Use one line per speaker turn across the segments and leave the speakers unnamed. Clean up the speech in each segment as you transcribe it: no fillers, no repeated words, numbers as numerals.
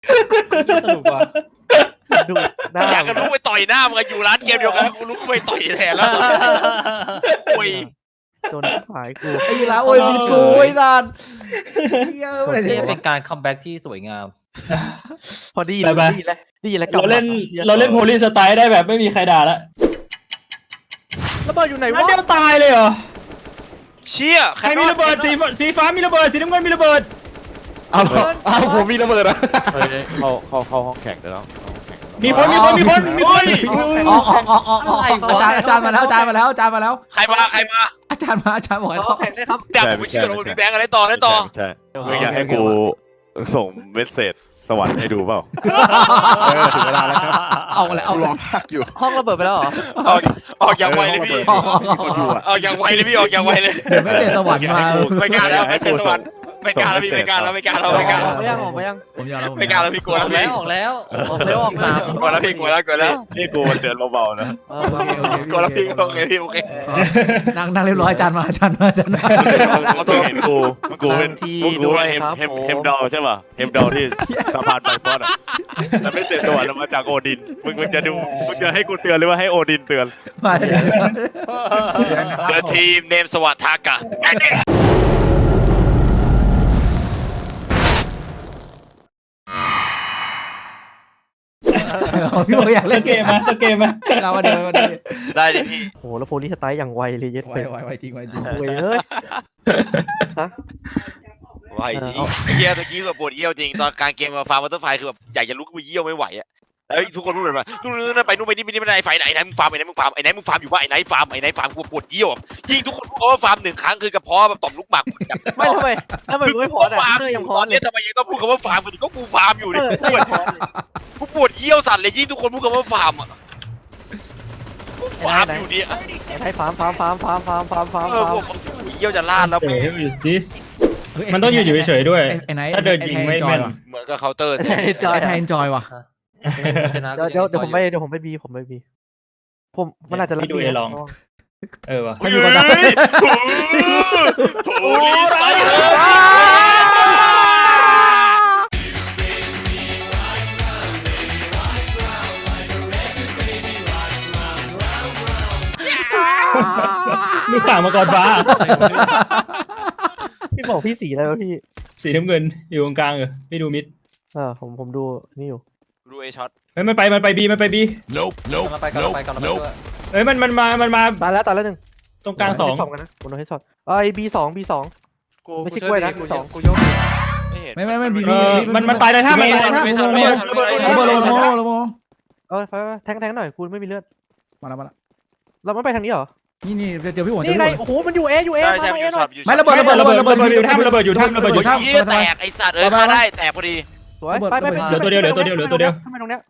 สนุกว่ะ
ดูหน้า
อยากจะลุกไปต่อยหน้ามึงอยู่ร้านเกมเดียวกันกูลุกไปต่อยแทนแล้วโอ้ย
โดนขายกู
ไอ้ยีราโอ้ยผิดกูไอ้สัตว์เยอะเลย
นี่เป็นการคัมแบ็กที่สวยงาม
พอดีเลยดีแล้ว
เราเล่นโพลีสไตล์ได้แบบไม่มีใครด่าละ
ระเบิดอยู่ไหน
นัด
วะ
เดียวตายเลยเหรอ
เชี่ย
ใครมีระเบิดสีฟ้ามีระเบิดสีน้ำเงินมีระเบิด
เอาผมมีระเบิดอ่ะเข้าห้องแข่งเดี๋ยวแล้ว
มีคน
อ๋ออาจารย์มาแล้วอาจารย์มาแล้ว
ใครมา
อาจารย์บอกให้
เขา
เขา
แข่งได้ครับ
แต่ผมไม่เชื่อเลยพี่แบงค์อะไรต่อ
ใช่มึงอยากให้กูส่งเมสเซจสวรรค์ให้ดูเปล่าถึงเวลาแล้วครับ
เอาอะไรเอา
รอพักอยู่
ห้องระเบิดไปแล้วเหรอ
ออกอย่างไวเลยพี่ออกอย่างไวเลยพี่ออกอย่างไวเลย
เดี๋ยวไม่เตะสวรรค์มา
ไม่กล้าแล้วไม่เป็นสวรรค์ไม่กล้าแล้วพี่ไม่กล้าแล้วไม่กล้าแล้วไม่กล้าแล้ว
ไม่ยังออกไม่ยัง
ผมยอมแล้ว
ไม่กล้าแล้วพี่กลัว
อ
แล้
อ
ว
ก
พี่
แล้วออกแล้ว
ออกแล้ว
กลัวแล้วพี่กลัวแล้ว
นี่กูเตือนเบาๆนะ
กลัวแล้วพี่โอเคพี่โอเค
นั่งเรียบร้อยอาจารย์มา
มึงเห็นกูเป็นเฮมดอลใช่ป่ะเฮมดอลที่สะพานไบฟอสอ่ะแล้วไม่เสร็จสวรรค์มาจากโอดินมึงจะให้กูเตือนหรือว่าให้โอดินเตือน
มา
The team name สวัสดิ์ทากะ
พี่บอกอยาก
ส
เล่น
เกมมา
เรามาดี
ได้ดิพี่
โหแล้วโพลีสไตล์อย่างไวเลยเย็ด
ไว
เป็ด
จริง
เว้ยเฮ้ย
ไหวจริงเยี่ยตะกี้แบบปวดเยี่ยวจริงตอนการเกมมาฟาร์มวัตเตอร์ไฟคือแบบอยากจะลุกไปเยี่ยวไม่ไหวอ่ะแล้วทุกคนพูดเลยว่านู่นไปนู่นไปนี่ไม่ได้ไฟไหนมึงฟาร์มไอ้ไหนมึงฟาร์มอยู่ว่าไอ้ไหนฟาร์มกูปวดเยี่ยวยิ่งทุกคนพูดว่าฟาร์มหนึ่งครั้งคือกระเพาะแบบต่อมลูกหมาก
ไม่ทำไมมึงไม่พออ่ะเตอร์ยังพอ
ตอน
เล
นี้
ย
ทำไมยังต้องพูดคำว่าฟาร์มกันอีกก็กูฟาร์มอยู่เนี่ย
เตอร์ยังพอ
กูปวดเยี่ยวสั่นเลยยิ่งทุกคนพูดคำว่าฟาร์มอ่ะฟาร์มอยู่เนี่ย
ให้ฟาร์ม
พวกเยี่ยวจะลาดแล้ว
เฮ้ย is this มันต้องอยู่เฉยๆด้วย
ไอ้ไหน
ถ้าเดินยิงไม่แม่น
เหมือนกับเคาน์เตอร์
จอย
ไอ้ไทยเอนจอยว่ะ
เดี๋ยวผมไปบีผมมันอาจจะรับ
เออว่ะ
โอ้ยไซ
ลูกต่างมาก่อนฟ้า
พี่บอกพี่สีอะไรวะพี่
สีน้ำเงินอยู่ตรงกลางไม่ดูมิด
ผมดูนี่อยู่
ดูเอช็อต
เฮ้ยมันไปบี
กำลังไปด้วย
เฮ้ยมันมา
ตายแล้วหนึ่ง
ตรงกลางสอง
กันนะผมโดนให้ช็อตไอ้บีสองไม่ใช่กล้วยนะบีสอง
กูยก
ไม่เห็น
ไม่บี
มันตายเลยถ้ามัน
ระเบิดระเบิด
ไปแทงหน่อยคุณไม่มีเลือด
มาแล้ว
เราไม่ไปทางนี้เหรอ
นี่เจอพี่หัว
นี่ไงโอ้โหมันอยู่เอมา
ใช่
เอ
ใช่
หน่อย
ไม่ระเบิด
อยู่ท่าระเบิดอยู่
เยี่ยแตกไอสัตว์ฆ่าได้แตกพอดี
สวยไป
เหลือตัวเดียว
ทำไมตรงเนี้ย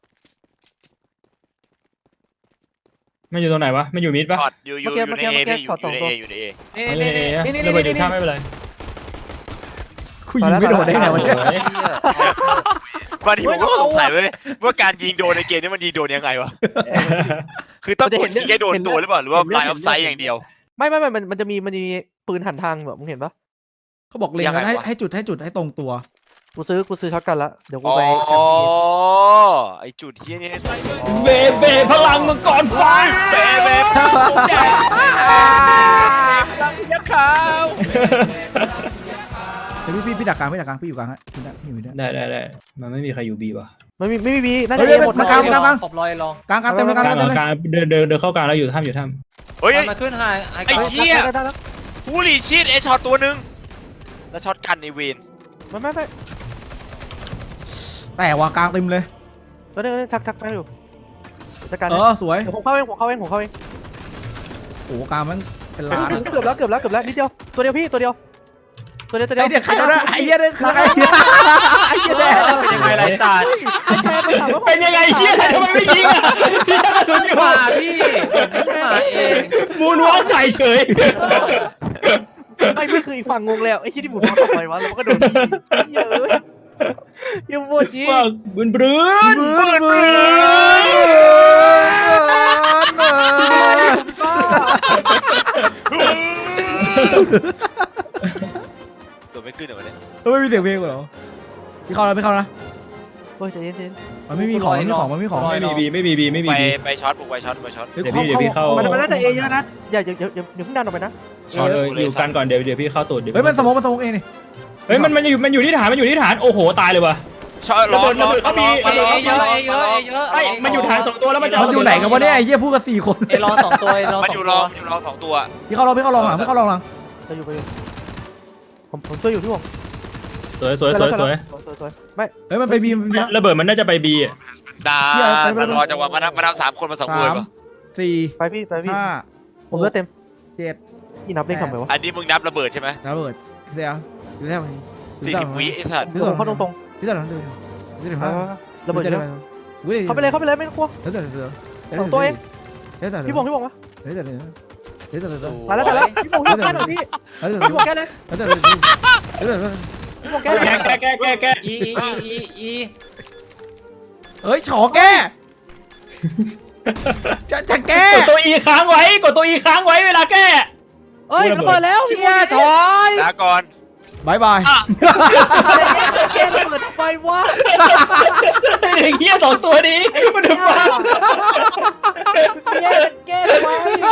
มันอยู่ตรงไหนวะมันอยู่มิดปะ
ช็อตอยู่ในเอพี่อยู่ในเอ
นี่
ระเบิดอยู่ท่าไม่เป็นไร
คุยยิงไม่โดนได้ไงวะเนี่ย
บางทีผมก็สงสัยเว้ยว่าการยิงโดนในเกมนี้มันยิงโดนยังไงวะคือต้องกดยิงให้โดนตัวหรือเปล่าหรือว่าไลน์ออฟไซด์อย่างเดียว
ไม่มันจะมีปืนหันทางแบบมึงเห็นปะ
เขาบอกเล็งกันให้จุดให้ตรงตัว
กูซื้อช็อตกันละเดี๋ยวกู
อ๋อ
ไป
ไอจุดที่นี่
เบพลังมังกรไฟ
เบ๊ยักษ์ขาว
เดี๋ยวพี่ดักกลางพี่อยู่กลางฮะพี่อยู่ได้
ได้มันไม่มีใครอยู่บีว่ะ
ไม่มีบีน่าจะหมด
กลาง
ขอบลอยลอง
กลางเต็มเลย
กลางเดินเข้ากลางแล้วอยู่ถ้ำ
เฮ้ย
มาขึ้นไฮ
ไอ้เหี้ยผู้หลีชีดไอช็อตตัวนึงแล้วช็อตกันในเวน
ไม่
แต่ว่ากลางเต็มเลย
ตัวนึงชักไปอยู่จัดการ
สวย
ผมเข้าเอง
โอ้กลางมันเป็นล้าน
เกือบแล้วนิดเดียวตัวเดียวพี่ตัวเดียว
ไอ้เด็กใครวะไอ้เหี้ยเด็กใครไอ้เหี้ยแดง
เป็นยังไงไรศาสตร์
เป็นยังไงเชี่ยทำไมไม่ยิงอ่ะพี่กระสุนอยู่
มาพี่มาเอง
มูนวอล์กใส่เฉย
ไม่คืออีกฝั่งงงแล้วไอ้ที่บุกมาทำไมวะแล้วมันก็โดนยิงเยอะยังปวดจี
บืน
ตัวไม่ขึ้นเหรอเนี่ย
ไม่มีเสียงเพลงเหรอพี่เข้านะ
ฮ้ยใจเย็น
มันไม่มีของมันไม่มีของมันไม่มีของ
ไม่มีบีไม่มีบีไม่มี
ไป
บี
ไปช็อตบุกไปช็อตไปช็อต
เดี๋ยวพี่เข้า
ๆมันน่าจะเอเยอะนะอย่าเพิ่งดันออกไปนะ
ช็อตเลยอยู่กันก่อนเดี๋ยวพี่เข้าตูด
เฮ้ยมันสมองเองนี่
เฮ้ยมันอยู่ที่ฐานมันอยู่ที่ฐานโอ้โหตายเลยว่ะ
ช็อตร้อนร้อน
เขามี
เอเยอะเอเยอะเอเยอะ
ไอ้มันอยู่ฐาน2ตัวแล้วมันจะ
มันอยู่ไหนกันวะเนี่ยไอ้เหี้ยพูดกัน4 คน
เอรอ2ตัวเอรอ
มัน
2
อยู่
ตั
ร
ว
อมันอยู่รอ2ตัว
พี่เข้าลองหลังพี่เข้าลองหลัง
ไปอยู่ผมช่วยอยู่พี่ผม
สวย
สวยไม่
เฮ้ยมันไปบีม
ระเบิดมันน่าจะไปบีอ่ะ
ด่ารอจังหวะมานับ3 คนมา2คนป่ะ
4
ไปพี่
5
ผมเลือดเต็ม
7
พี่นับเลขทำไมวะ
อันนี้มึงนับระเบิดใช่ไหม
ระเบิดเสียดูแท้
40 วิไอ้สัตว์
เดี๋ยวผมเข้าตรง
พี่ต่อดูพี่ต่อ
ๆระเบิดเยอะเข้าไปเลยไม่ต้องกลัว
เดี๋ยว
พี่บงวะ
เดี๋ยว
ตายแล้วพี่บงแก้หน่อยพี่พี่บงแก้เลยพี่บงแก้เลย
แก
อี
เฮ้ยฉอแกจะแก
กดตัว E ค้างไว้เวลาแก้
เอ้ยระเบิดแล้ว
เชี่ยถอย
ลาก่อน
บายบาย
แก้ระเบิดไปวะ
ไอ้เหี้ย2ตัวนี้มันจะฟัง
แก้ไป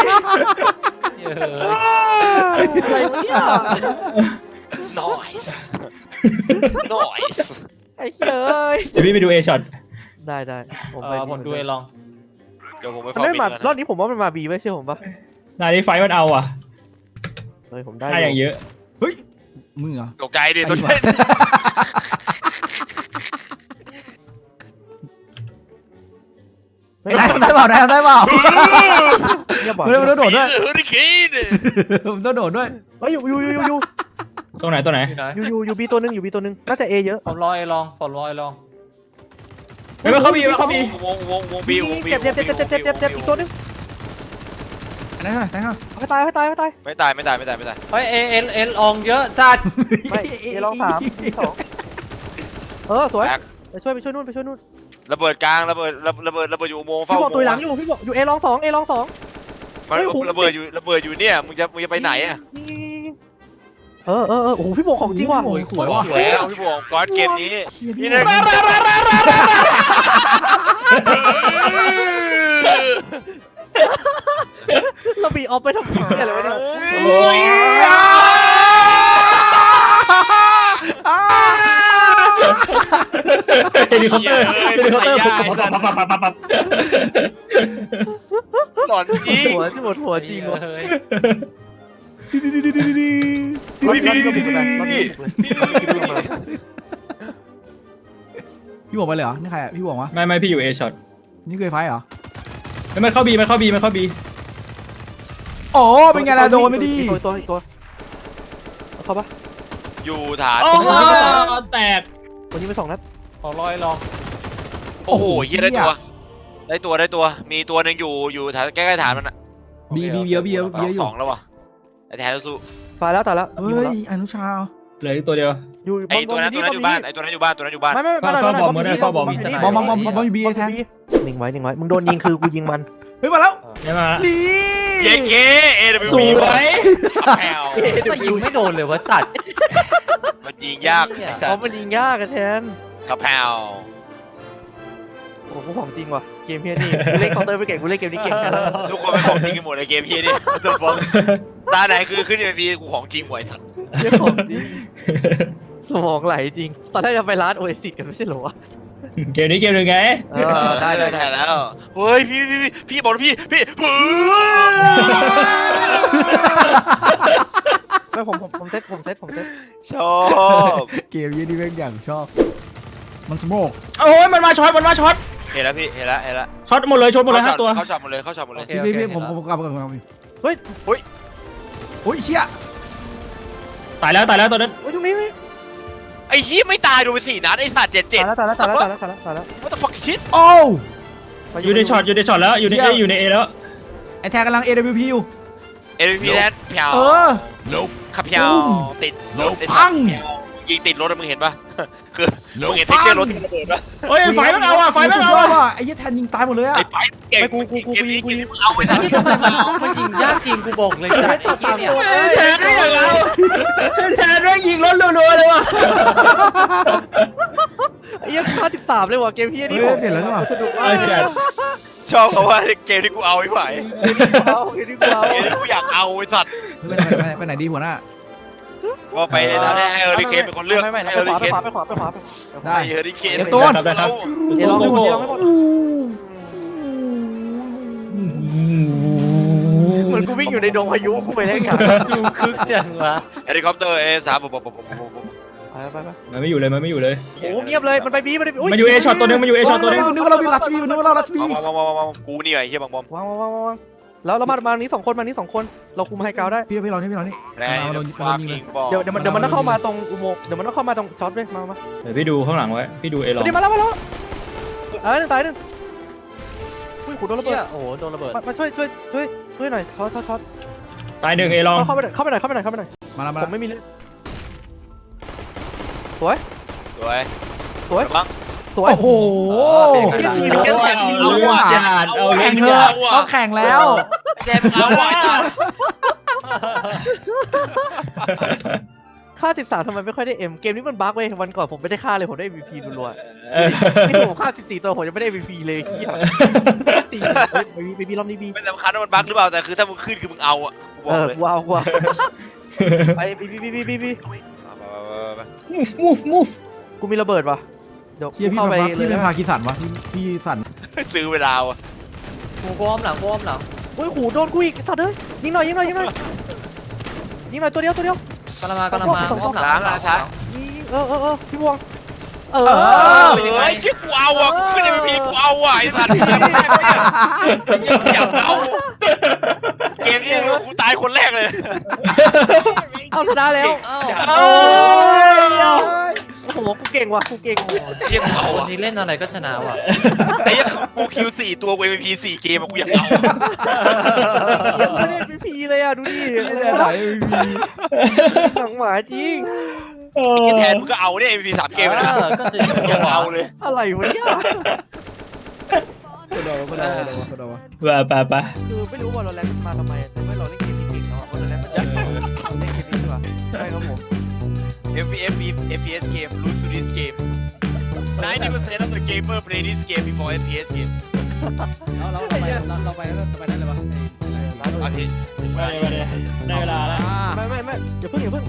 อะไรวะเนี่ย
น้อยน้อย
ไอ้เฮ้ย
เดี๋ยวพี่ไปดู A shot
ได้
ผมดูเอลอง
เดี๋ยวผมไป
มัน
เฝ้า
ไม่
บิน
มา
ก่อน
รอบนี้ผมว่ามันมาบีไม่เชื่อผมปะ
นายนี้ไฟมันเอาอ่ะ
เฮ้ยผมได้
ได้อย่างเยอะ
เฮ้ยมึงเหรอ
ตกใจดิตัวนี้
ได้เปล่าได้เปล่า
เนี่ยบอก
มันต้องโดดด้วย
เฮอริเคน
มันต้องโดดด้วย
เฮ้ยอยู่
ตรงไหน
อยู่บีตัวนึงน่าจะเอเยอะ
ผมรอเอลอง
เฮ้ยมันเข้าบี
วงบิว
เจ็บอีกตัวนึง
ไหนข้าง
ให้ตาย
ไม่ตาย
เฮ้ยเอลองเยอะจัด
ไม่เอลอง3 2สวยไปช่วยนู่น
ระเบิดกลางระเบิดอยู่อุโมงค์
พี่
เฝ้า
บอกตัวหลังอยู่พี่บอกอยู่เอลอง2
มันระเบิดอยู่เนี่ยมึงจะไปไหนอ่ะ
โอ้โหพี่บอกของจริงว่ะ
สวยว่ะ
แล้วพี่บวงก้อนเกมนี้นี่นะ
เราบีออฟไปทำไมอะไรวะเนี่ย
เฮลิคอปเตอร์ปับ
หลอนจริง
หัวจริงว่ะ
เฮ้ย
พี่บอกไปเลยเหรอนี่ใครอ่ะพี่บอกวะ
ไม่พี่อยู่ A shot
นี่เคยไฟเหรอ
มันเข้าบี
โอ้เป็นไงล่ะโดนไม่ดี
ตัวเข้าปะ
อยู่ฐาน
โอ้โหแตก
วันนี้ไป2 นัด
ผมรอเอลอง
โอ้โหเฮียได้ตัวมีตัวหนึ่งอยู่ฐานใกล้ๆฐานมันอ่ะ
บีเยอะอยู่
2แล้ววะไอ้แทนสู้
ตายแล้ว
เฮ้ยอนุชา
เหลืออีกตัวเดียว
อยู่
ไอ้ตัวนั้นอยู่บ้านไอ้ตัวนั้นอยู่บ้าน
ไม่บอมอยู่บีแทนนิ่งไว้มึงโดนยิงคือกูยิงมัน
เฮ้ยมาแล้ว
ได้มา
นี่
เย้เก้ AWP
สวย
แผ่ว
ก็ยิงไม่โดนเลยวะสัตว์
มันยิงยาก
เพราะมันยิงยากกันแทน
ขับแผ่ว
โอ้โหของจริงว่ะเกมเฮียนี่กูเล่นเคาน์เตอร์ไปเก่งกูเล่นเกมนี้เก่งกัน
ทุกคนเป็นของจริงกันหมดในเกมพี่นี่ตัวฟองตาไหนคือขึ้นในพีกูของจริงหวยทัน
เรื่องของจริงสมองไหลจริงตอนแรกจะไปร้านโอเอซิสกันไม่ใช่เหรอวะ
เกมนี้เกมหนึ่งไง
ได้แล้วเฮ้ยพี่บอกพี่
ไม่ผมเซ็ต
ชอบ
เกมยี่นี่แม่งอย่างชอบมันสโมก
โอ้ยมันมาช็อต
เห็นแล้วพี่เห็นแล้ว
ช็อตหมดเลย5 ตัว
เข้าช็อตหมดเลย
พี่ผมกลับมาโอ้ยเชี่ย
ตายแล้วตัวนั้น
โอ้ยตรงนี้
ไอ้ยี่ไม่ตายโดนไป4 นัดไอ้สัตว์7
ตายแล้ว
What the fuck shit
โอ้
อยู่ในช็อตแล้วอยู่ใน A แล้ว
ไอแทนกำลัง AWP อยู่
MVP แทนแผ่วขับแผ่วติดรถ
พัง
ยิงติดรถมึงเห็นปะคือมึงเห็นเทคเจอร์รถที่ระเบิดปะ
โอ้ยไฟมันเอาอ่ะ
ไอ้ยี่แทนยิงตายหมดเลยอ่ะ
ไอ้ไฟเก่งเกมนี้มึงเอาไปซะ
มันยิงยากจริงกูบอกเลยจัดไอ้เนี่ย
แทนแม่งยิงรถรัวๆเลยว่ะ
ไอ้เหี้ย53เลยว่ะเกมพี่นี่
เฮ้ยเปลี่ยนแล้วนี่หว่า
สนุกมาก
ไอ้แก
ชอบเขาว่าเกมที่กูเอาไม่ไหว
เอาเกมที่กูเอา
เกมที่กูอยากเอาไอ้สัตว์
ไปไหนดีหัวหน้า
ก็ไปแล้วเนี่ยให้เฮอริเคนเป็นคนเลือก
ไม่
ให้
ไป
เฮอริ
ขวา
เคน
ไปขวา
ได้
ให้เฮอริเคน
เดี๋ยวตูน
ครับได้ครับ
เดี๋ยวลองให้หมดเดี๋ยวลองให้หมดเหมือนกูวิ่งอยู่ในดงพายุกูไปได้ไง
ดูคึกจังวะ
เฮลิคอปเตอร์A3
ไป
มันไม่อยู่เลยมันไม่อยู่เลย
โอ้เงียบเลยมันไปบีมันไป
มันอยู่เอช็อตตัวนึงมันอยู่เอช็อตตัวนึง
นึกว่าเราเป็นรัชบีนึกว่าเรารัชบี
มากูนี่ไงเฮียบางบอม
วางแล้วเรามานี้2 คนมานี้2 คนเราคุมไฮกราวด์ได้
พี่เรานี่
แรง
มาโดน
ฟา
ยิง
กิ
เลย
งบอล
เดี๋ยวมันต้องเข้ามาตรงอุโมงค์เดี๋ยวมันต้องเข้ามาตรงช็อตด้วยมา
เดี๋ยวพี่ดูข้างหลังไว้พี่ดูเอลอง
เดี๋ยวมาแล้วตายหนึ่งอุ้ยขุดโดนระเบิด
โอ้โหโดนระเบิด
มาช่วยหน่อยช็อต
ตายหนึ่งเอลอง
เข้าไปหน่อย
มาแล้ว
ผมไม่มีเลย
สวย
สวย
บัง
สวย
โอ้โห
เอาว่ะเอา
แข่ง
เถ
เถ
อะ
อะต้องแข่งแล้ว
เจ็บเอาว่ะ
ค่า13ทำไมไม่ค่อยได้เอ็มเกมนี้มันบั๊กเว้ยวันก่อนผมไม่ได้ค่าเลยผมได้ MVP รัวๆ
เออ
ไม่ถูกค่า14ตัวผมยังไม่ได้ MVP เลยเหี้ยตีบีรอบนี้บี
ไม่สำคัญว่ามันบั๊กหรือเปล่าแต่คือถ้ามึงขึ้นคือมึงเอาอ่ะกูบอกเลย
กูเอาไปบี
move
กูมีระเบิดว่ะเดี๋ยว
เฮียพี่
เข้าไป
พี่เป็นพากีสันวะพี่สัน
ซื้อเวลาอ่ะ
กูอ้อมหลังกูอ้อมหลัง
โอ้ยขู่โดนกูอีกสัตว์เอ้ยยิงหน่อยตัวเดียว
กำลังมากำลังมาอ้อมหลัง
ช้า
ยิงพี่บวง
เฮ้ยที่กูเอาอ่ะกูขึ้นในพีกูเอาอ่ะไอ้สัตว์อยากเอาเกมนี้กูตายคนแรกเลย
เอาชนะแล้ว
เอ้า
โอ้โหกูเก่งว่ะกูเก่ง
เรียกเอา
คน
อ่ะ
นี้เล่นอะไรก็ชนะว่ะ
ไอ้กูคิว4ตัวกู MVP 4 เกมกูอยากเอา
ไม่ได้ MVP เลยอ่ะดูดิ
ไหน
หนังหมาจริง
กินแทนมึงก็เอาเนี่ย MVP 3 เกมนะ
ก็จะ
อยากเอาเลย
อะไรวะเนี่ย
ไป
คือไม่รู้ว่าเราแลนด์มาทำไมแต่ว่าเราเล่นเกมนี้เก่งเนาะว่าเราแลนด์มันจะเล่นเกมนี้ดีกว่าใช่ครับผม
FPS game lose to this game 90% of the gamer play this game before FPS game
เราไปนั่นเลยวะ
โอเค
ได้เวลาแล้ว
ไม่อย่าเพิ่ง